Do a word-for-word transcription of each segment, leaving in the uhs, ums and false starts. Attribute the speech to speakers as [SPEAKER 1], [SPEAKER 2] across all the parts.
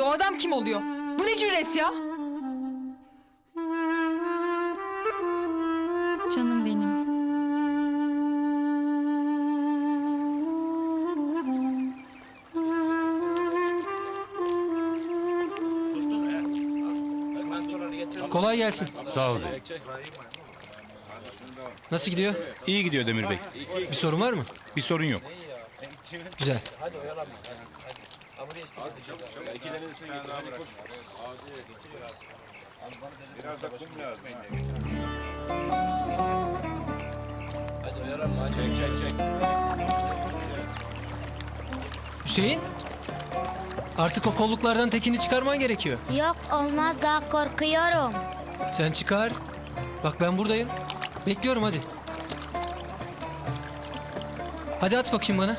[SPEAKER 1] O adam kim oluyor? Bu ne cüret ya?
[SPEAKER 2] Canım benim.
[SPEAKER 3] Kolay gelsin.
[SPEAKER 4] Sağ ol bey.
[SPEAKER 3] Nasıl gidiyor?
[SPEAKER 4] İyi gidiyor Demir Bey.
[SPEAKER 3] Bir sorun var mı?
[SPEAKER 4] Bir sorun yok.
[SPEAKER 3] Güzel. Hüseyin, artık o kolluklardan tekini çıkarman gerekiyor.
[SPEAKER 5] Yok olmaz daha korkuyorum.
[SPEAKER 3] Sen çıkar. Bak ben buradayım. Bekliyorum hadi. Hadi at bakayım bana.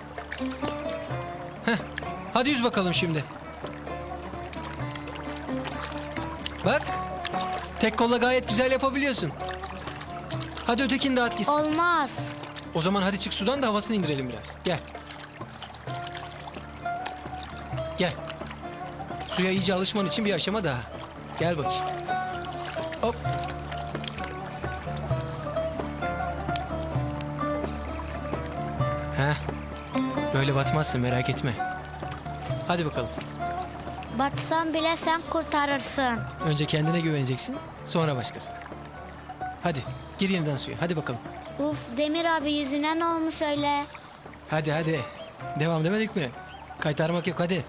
[SPEAKER 3] Heh. Hadi yüz bakalım şimdi. Bak. Tek kolla gayet güzel yapabiliyorsun. Hadi ötekini de at gitsin.
[SPEAKER 5] Olmaz.
[SPEAKER 3] O zaman hadi çık sudan da havasını indirelim biraz. Gel. Gel. Suya iyice alışman için bir aşama daha. Gel bakayım. Hop. Heh. Böyle batmazsın merak etme. Hadi bakalım.
[SPEAKER 5] Batsam bile sen kurtarırsın.
[SPEAKER 3] Önce kendine güveneceksin, sonra başkasına. Hadi gir yeniden suya. Hadi bakalım.
[SPEAKER 5] Uf Demir abi yüzüne ne olmuş öyle?
[SPEAKER 3] Hadi hadi. Devam demedik mi? Kaytarmak yok hadi.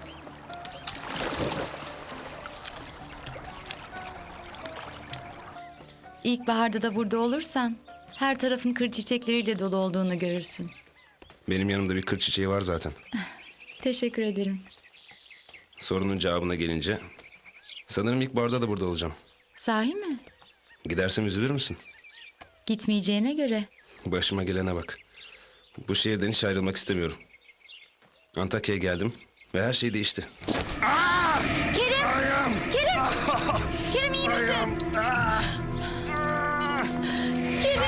[SPEAKER 2] İlkbaharda da burada olursan her tarafın kır çiçekleriyle dolu olduğunu görürsün.
[SPEAKER 6] Benim yanımda bir kır çiçeği var zaten.
[SPEAKER 2] Teşekkür ederim.
[SPEAKER 6] Sorunun cevabına gelince sanırım ilkbaharda da burada olacağım.
[SPEAKER 2] Sahi mi?
[SPEAKER 6] Gidersem üzülür müsün?
[SPEAKER 2] Gitmeyeceğine göre.
[SPEAKER 6] Başıma gelene bak. Bu şehirden hiç ayrılmak istemiyorum. Antakya'ya geldim ve her şey değişti.
[SPEAKER 2] Kerim! Kerim! Kerim iyi misin? Kerim!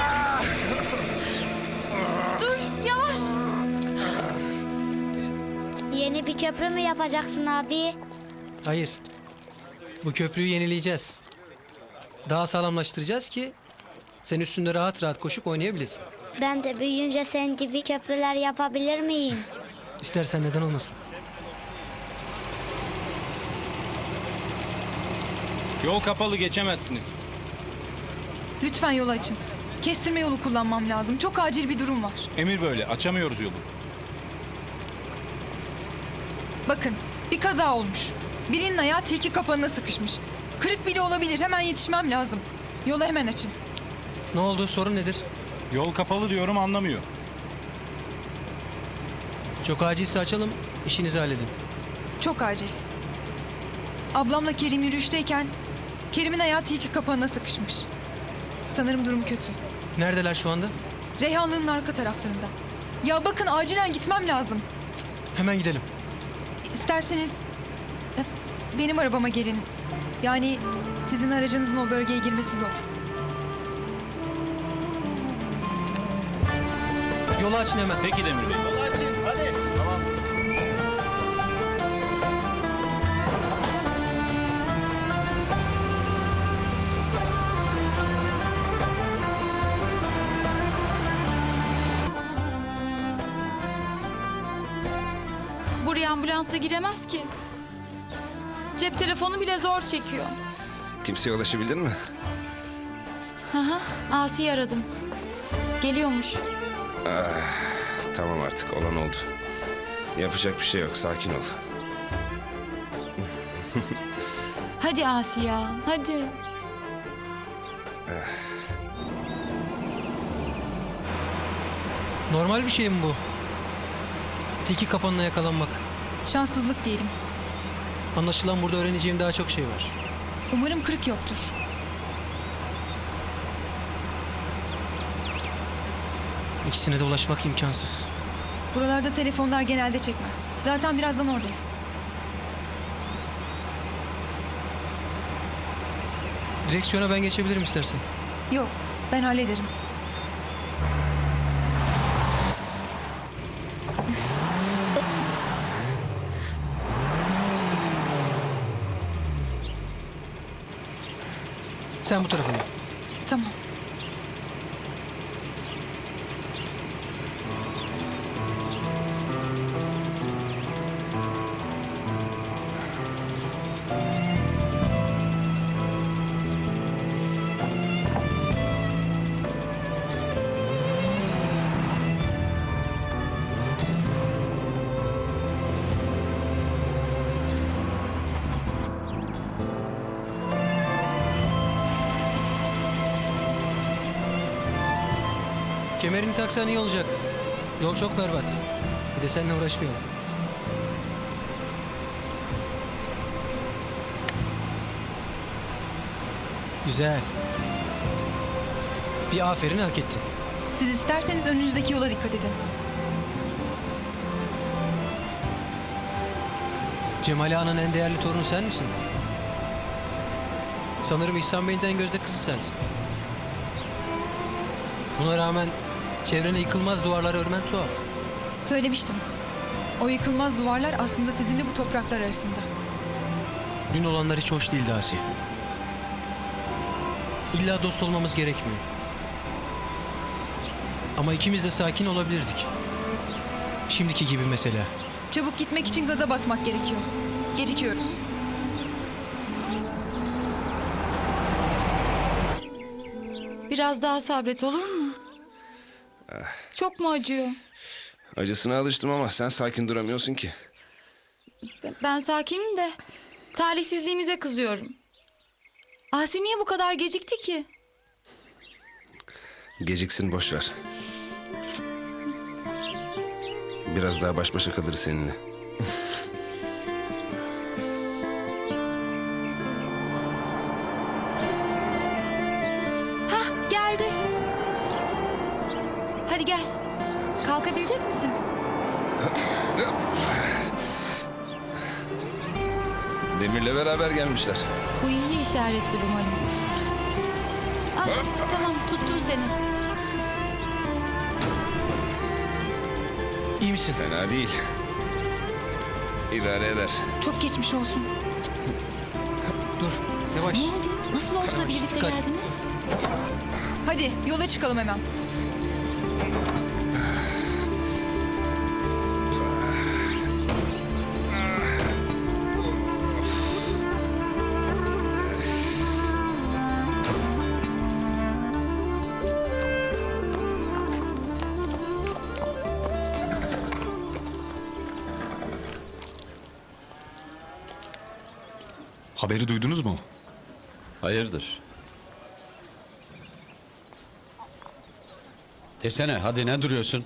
[SPEAKER 2] Dur yavaş.
[SPEAKER 5] Yeni bir köprü mü yapacaksın abi?
[SPEAKER 3] Hayır. Bu köprüyü yenileyeceğiz. Daha sağlamlaştıracağız ki sen üstünde rahat rahat koşup oynayabilesin.
[SPEAKER 5] Ben de büyüyünce senin gibi köprüler yapabilir miyim?
[SPEAKER 3] İstersen neden olmasın.
[SPEAKER 4] Yol kapalı, geçemezsiniz.
[SPEAKER 1] Lütfen yol açın. Kestirme yolu kullanmam lazım. Çok acil bir durum var.
[SPEAKER 4] Emir böyle, açamıyoruz yolu.
[SPEAKER 1] Bakın, bir kaza olmuş. Birinin ayağı tilki kapanına sıkışmış. Kırık bile olabilir. Hemen yetişmem lazım. Yolu hemen açın.
[SPEAKER 3] Ne oldu? Sorun nedir?
[SPEAKER 4] Yol kapalı diyorum, anlamıyor.
[SPEAKER 3] Çok acilse açalım, işinizi halledin.
[SPEAKER 1] Çok acil. Ablamla Kerim yürüyüşteyken Kerim'in ayağı tilki kapanına sıkışmış. Sanırım durum kötü.
[SPEAKER 3] Neredeler şu anda?
[SPEAKER 1] Reyhanlı'nın arka taraflarında. Ya bakın acilen gitmem lazım.
[SPEAKER 3] Hemen gidelim.
[SPEAKER 1] İsterseniz e, benim arabama gelin. Yani sizin aracınızın o bölgeye girmesi zor.
[SPEAKER 3] Yolu açın hemen.
[SPEAKER 4] Peki Demir Bey.
[SPEAKER 2] Buraya ambulansla giremez ki. Cep telefonu bile zor çekiyor.
[SPEAKER 6] Kimseye ulaşabildin mi?
[SPEAKER 2] Hı hı. Asi'yi aradım. Geliyormuş.
[SPEAKER 6] Tamam artık, olan oldu. Yapacak bir şey yok, sakin ol.
[SPEAKER 2] Hadi Asi ya, hadi.
[SPEAKER 3] Normal bir şey mi bu? Tiki kapanına yakalanmak.
[SPEAKER 1] Şanssızlık diyelim.
[SPEAKER 3] Anlaşılan burada öğreneceğim daha çok şey var.
[SPEAKER 1] Umarım kırık yoktur.
[SPEAKER 3] İkisine de ulaşmak imkansız.
[SPEAKER 1] Buralarda telefonlar genelde çekmez. Zaten birazdan oradayız.
[SPEAKER 3] Direksiyona ben geçebilirim istersen.
[SPEAKER 1] Yok, ben hallederim.
[SPEAKER 3] Sen bu tarafına.
[SPEAKER 1] Tamam.
[SPEAKER 3] Kemerini taksan iyi olacak. Yol çok berbat. Bir de seninle uğraşmayalım. Güzel. Bir aferin hak ettin.
[SPEAKER 1] Siz isterseniz önünüzdeki yola dikkat edin.
[SPEAKER 3] Cemal Ağa'nın en değerli torunu sen misin? Sanırım İhsan Bey'in de en gözde kızı sensin. Buna rağmen çevrene yıkılmaz duvarlar örmen tuhaf.
[SPEAKER 1] Söylemiştim. O yıkılmaz duvarlar aslında sizinle bu topraklar arasında.
[SPEAKER 3] Dün olanlar hiç hoş değildi Asiye. İlla dost olmamız gerekmiyor. Ama ikimiz de sakin olabilirdik. Şimdiki gibi mesela.
[SPEAKER 1] Çabuk gitmek için gaza basmak gerekiyor. Gecikiyoruz.
[SPEAKER 2] Biraz daha sabret olur mu? Çok mu acıyor?
[SPEAKER 6] Acısına alıştım ama sen sakin duramıyorsun ki.
[SPEAKER 2] Ben sakinim de talihsizliğimize kızıyorum. Asi niye bu kadar gecikti ki?
[SPEAKER 6] Geciksin boş ver. Biraz daha baş başa kalırız seninle.
[SPEAKER 2] Hah, geldi. Hadi gel. Kalkabilecek misin?
[SPEAKER 6] Demir'le beraber gelmişler.
[SPEAKER 2] Bu iyi işarettir umarım. Ah, tamam tuttum seni.
[SPEAKER 3] İyi misin?
[SPEAKER 6] Fena değil. İdare eder.
[SPEAKER 1] Çok geçmiş olsun.
[SPEAKER 3] Dur, yavaş.
[SPEAKER 2] Ne oldu? Nasıl oldu da birlikte
[SPEAKER 3] Dikkat.
[SPEAKER 2] geldiniz?
[SPEAKER 1] Hadi yola çıkalım hemen.
[SPEAKER 4] Haberi duydunuz mu?
[SPEAKER 7] Hayırdır? Desene hadi ne duruyorsun?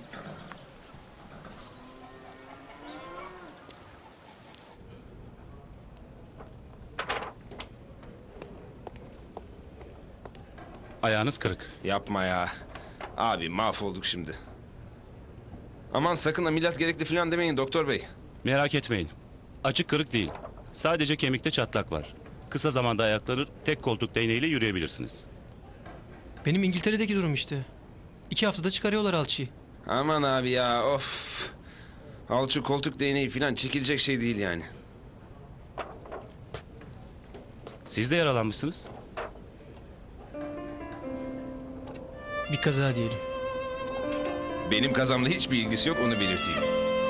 [SPEAKER 7] Ayağınız kırık.
[SPEAKER 6] Yapma ya. Abi mahvolduk şimdi. Aman sakın ameliyat gerekli falan demeyin doktor bey.
[SPEAKER 8] Merak etmeyin. Açık kırık değil. Sadece kemikte çatlak var. Kısa zamanda ayaklanır, tek koltuk değneğiyle yürüyebilirsiniz.
[SPEAKER 3] Benim İngiltere'deki durum işte. İki haftada çıkarıyorlar alçıyı.
[SPEAKER 6] Aman abi ya of. Alçı koltuk değneği falan çekilecek şey değil yani.
[SPEAKER 8] Siz de yaralanmışsınız.
[SPEAKER 3] Bir kaza diyelim.
[SPEAKER 6] Benim kazamla hiçbir ilgisi yok onu belirteyim.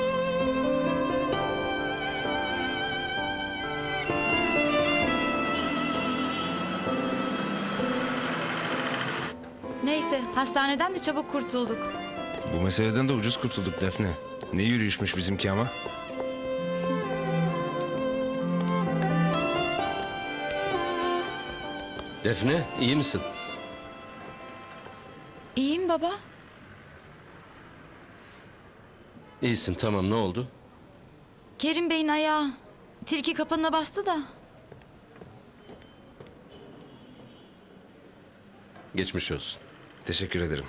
[SPEAKER 2] Neyse hastaneden de çabuk kurtulduk.
[SPEAKER 6] Bu meseleden de ucuz kurtulduk Defne. Ne yürüyüşmüş bizimki ama.
[SPEAKER 7] Defne iyi misin?
[SPEAKER 2] İyiyim baba.
[SPEAKER 7] İyisin tamam ne oldu?
[SPEAKER 2] Kerim Bey'in ayağı tilki kapanına bastı da.
[SPEAKER 7] Geçmiş olsun.
[SPEAKER 6] Teşekkür ederim.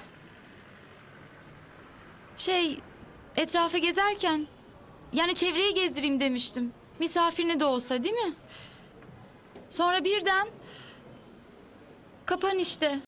[SPEAKER 2] Şey, etrafı gezerken, yani çevreyi gezdireyim demiştim. Misafirine de olsa değil mi? Sonra birden, kapan işte.